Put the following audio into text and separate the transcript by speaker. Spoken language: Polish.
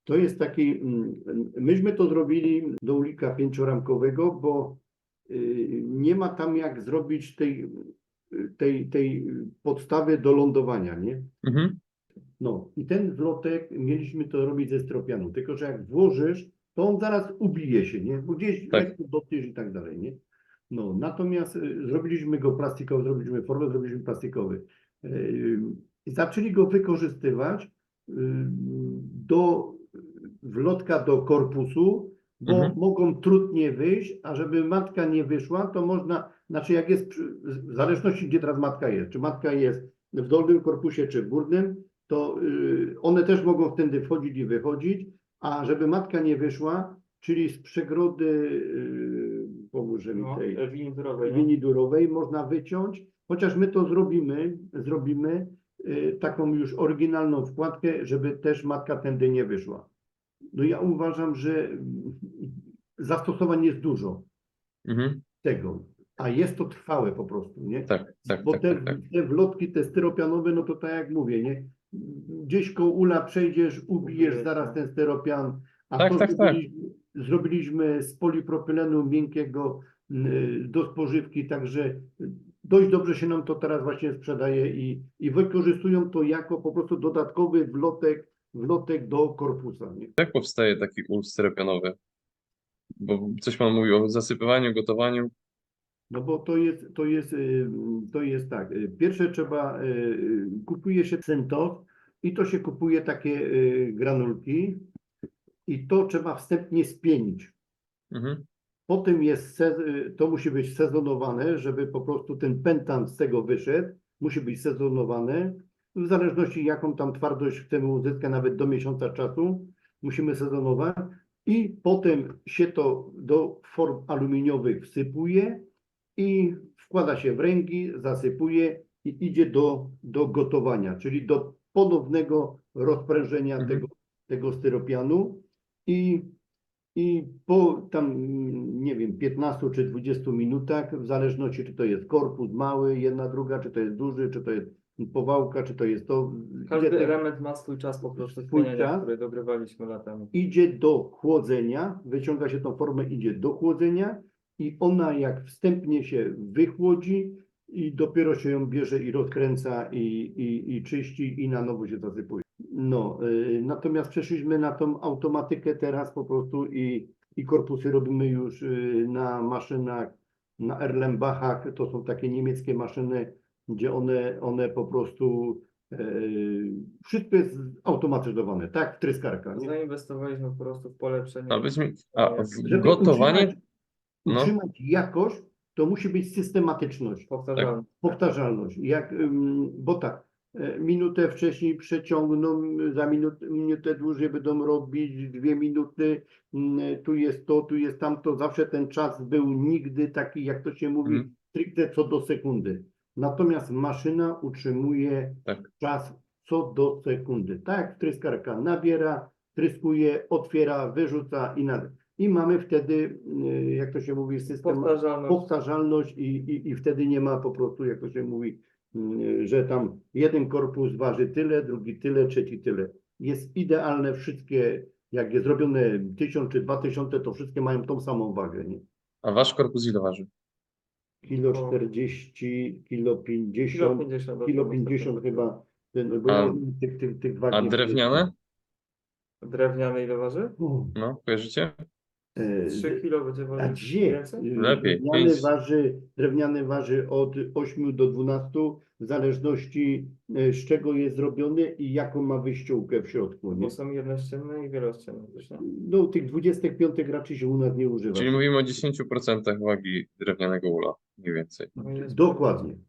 Speaker 1: To jest taki, myśmy to zrobili do ulika pięcioramkowego, bo nie ma tam jak zrobić tej podstawy do lądowania, nie?
Speaker 2: Mhm.
Speaker 1: No i ten wlotek mieliśmy to robić ze stropianu, tylko że jak włożysz, to on zaraz ubije się, nie? Bo gdzieś
Speaker 2: Tak.
Speaker 1: lekko dotkniesz i tak dalej, nie? No, natomiast zrobiliśmy go plastikowy, zrobiliśmy formę, zrobiliśmy plastikowy. Zaczęli go wykorzystywać do wlotka do korpusu, bo
Speaker 2: Mhm.
Speaker 1: mogą trudnie wyjść, a żeby matka nie wyszła, to można, znaczy jak jest, w zależności gdzie teraz matka jest, czy matka jest w dolnym korpusie, czy w górnym, to one też mogą wtedy wchodzić i wychodzić, a żeby matka nie wyszła, czyli z przegrody, pomóże mi tej
Speaker 3: Winidurowej, nie?
Speaker 1: winidurowej można wyciąć, chociaż my to zrobimy taką już oryginalną wkładkę, żeby też matka tędy nie wyszła. No ja uważam, że zastosowań jest dużo
Speaker 2: Mhm.
Speaker 1: tego, a jest to trwałe po prostu, nie?
Speaker 2: Tak, tak,
Speaker 1: Bo
Speaker 2: tak, tak, tak.
Speaker 1: te wlotki, te styropianowe, no to tak jak mówię, nie? Gdzieś koło ula przejdziesz, ubijesz
Speaker 3: Ubijesz,
Speaker 1: zaraz
Speaker 3: tak.
Speaker 1: ten styropian, a
Speaker 2: Tak,
Speaker 1: to
Speaker 2: tak, tak.
Speaker 1: zrobiliśmy z polipropylenu miękkiego do spożywki, także dość dobrze się nam to teraz właśnie sprzedaje i wykorzystują to jako po prostu dodatkowy wlotek do korpusa, nie?
Speaker 2: Jak powstaje taki ul styropianowy? Bo coś pan mówił o zasypywaniu, gotowaniu.
Speaker 1: No bo to jest tak. Pierwsze trzeba, kupuje się Centos i to się kupuje takie granulki i to trzeba wstępnie spienić.
Speaker 2: Mhm.
Speaker 1: Potem to musi być sezonowane, żeby po prostu ten pentan z tego wyszedł. Musi być sezonowany. W zależności jaką tam twardość chcemy uzyskać, nawet do miesiąca czasu, musimy sezonować. I potem się to do form aluminiowych wsypuje i wkłada się w ręki, zasypuje i idzie do gotowania, czyli do ponownego rozprężenia
Speaker 2: Mhm.
Speaker 1: tego styropianu i po tam, nie wiem, 15 czy 20 minutach, w zależności czy to jest korpus mały, jedna, druga, czy to jest duży, czy to jest powałka, czy to jest to.
Speaker 3: Każdy element ma swój czas po prostu
Speaker 1: Swój
Speaker 3: spieniania,
Speaker 1: czas.
Speaker 3: który dogrywaliśmy latami.
Speaker 1: Idzie do chłodzenia, wyciąga się tą formę, idzie do chłodzenia i ona jak wstępnie się wychłodzi i dopiero się ją bierze i rozkręca i czyści i na nowo się zasypuje. No, natomiast przeszliśmy na tą automatykę teraz po prostu i korpusy robimy już na maszynach, na Erlenbachach, to są takie niemieckie maszyny, gdzie one po prostu wszystko jest automatyzowane, tak, w tryskarka, nie?
Speaker 3: Zainwestowaliśmy po prostu w polepszenie.
Speaker 2: A w
Speaker 1: Żeby
Speaker 2: gotowanie? No,
Speaker 1: utrzymać jakość, to musi być systematyczność,
Speaker 3: Powtarzalne.
Speaker 1: powtarzalność. Bo tak, minutę wcześniej przeciągną, za minutę dłużej będą robić, 2 minuty, tu jest to, tu jest tamto. Zawsze ten czas był nigdy taki, jak to się mówi,
Speaker 2: Mhm.
Speaker 1: stricte co do sekundy. Natomiast maszyna utrzymuje
Speaker 2: tak.
Speaker 1: czas co do sekundy. Tak jak tryskarka nabiera, tryskuje, otwiera, wyrzuca i mamy wtedy, jak to się mówi, system powtarzalność i wtedy nie ma po prostu, jak to się mówi, że tam jeden korpus waży tyle, drugi tyle, trzeci tyle. Jest idealne wszystkie, jak jest zrobione 1000 czy 2000, to wszystkie mają tą samą wagę, nie?
Speaker 2: A wasz korpus ile waży?
Speaker 1: Kilo 40, kilo 50, kilo 50 chyba, bo ja tych wag
Speaker 2: A
Speaker 1: nie
Speaker 2: drewniane?
Speaker 3: Drewniane ile waży?
Speaker 2: No, kojarzycie?
Speaker 3: 3 kilo będzie
Speaker 1: A
Speaker 3: ważyć
Speaker 1: gdzie?
Speaker 3: więcej?
Speaker 2: Lepiej,
Speaker 1: Drewniany waży od 8 do 12, w zależności z czego jest zrobiony i jaką ma wyściółkę w środku, nie?
Speaker 3: Bo są jednościenne i wielościenne też, nie?
Speaker 1: No tych 25 raczej się u nas nie używa.
Speaker 2: Czyli mówimy o 10% wagi drewnianego ula, mniej więcej.
Speaker 3: No i jest
Speaker 1: Dokładnie.